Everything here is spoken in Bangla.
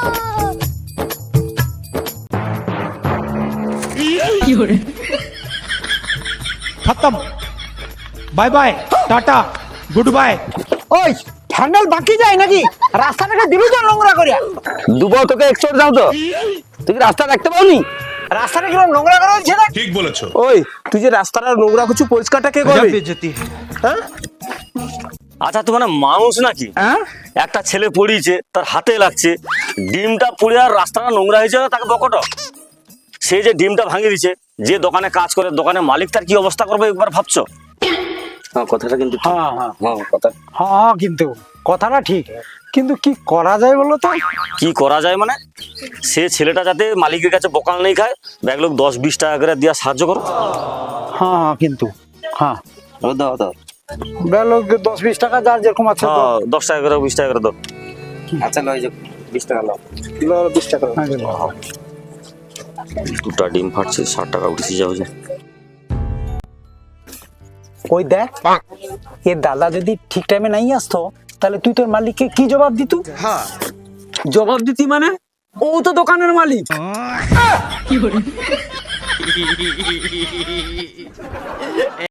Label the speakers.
Speaker 1: खत्म, bye bye, tata, good bye.
Speaker 2: ওই হ্যান্ডেল বাকি যায় নাকি? রাস্তাটাকে দিবি তো নোংরা করিয়া।
Speaker 3: দুবার তোকে এক্সপোর্ট যাও তো, তুই কি রাস্তা দেখতে পাওনি?
Speaker 2: রাস্তাটা কিরকম নোংরা করা হয়েছে না?
Speaker 4: ঠিক বলেছো।
Speaker 3: ওই তুই যে রাস্তাটা নোংরা করছিস, পরিষ্কারটা কে করবে?
Speaker 1: বেজতি।
Speaker 3: হ্যাঁ?
Speaker 5: আচ্ছা তুই মানে মানুষ নাকি?
Speaker 3: হ্যাঁ?
Speaker 5: একটা ছেলে পড়িয়েছে, তার হাতে লাগছে, ডিমটা পুড়ে আর রাস্তাটা নোংরা হয়েছে, তাকে বকট। সে যে ডিমটা ভাঙিয়ে দিচ্ছে, যে দোকানে কাজ করে দোকানের মালিক তার কি অবস্থা করবে একবার ভাবছো? হ্যাঁ কথাটা কিন্তু ঠিক।
Speaker 2: হ্যাঁ হ্যাঁ
Speaker 5: হ্যাঁ কথা
Speaker 2: হ্যাঁ, কিন্তু কথাটা ঠিক, কিন্তু কি করা যায় বলো তো?
Speaker 5: কি করা যায় মানে, সে ছেলেটা যাতে মালিকের কাছে বকাল নেই খায়, ব্যাগ লোক 10-20 টাকা করে দিয়ে সাহায্য করো।
Speaker 2: হ্যাঁ হ্যাঁ, কিন্তু হ্যাঁ
Speaker 5: দাও দাও।
Speaker 2: বেলো 10-20 টাকা যার যেরকম আছে তো।
Speaker 5: হ্যাঁ 10 টাকা করে 20 টাকা করে দাও।
Speaker 3: আচ্ছা লয় যে 20 টাকা নাও।
Speaker 2: 20 টাকা।
Speaker 5: দুটা ডিম ফাটছে, 60 টাকা উঠেছি যাও যে।
Speaker 2: ওই দেখ, এ দাদা যদি ঠিক টাইমে নাই আসতো, তাহলে তুই তোর মালিককে কি জবাব দিতু?
Speaker 3: হ্যাঁ,
Speaker 2: জবাব দিতি মানে ও তো দোকানের মালিক।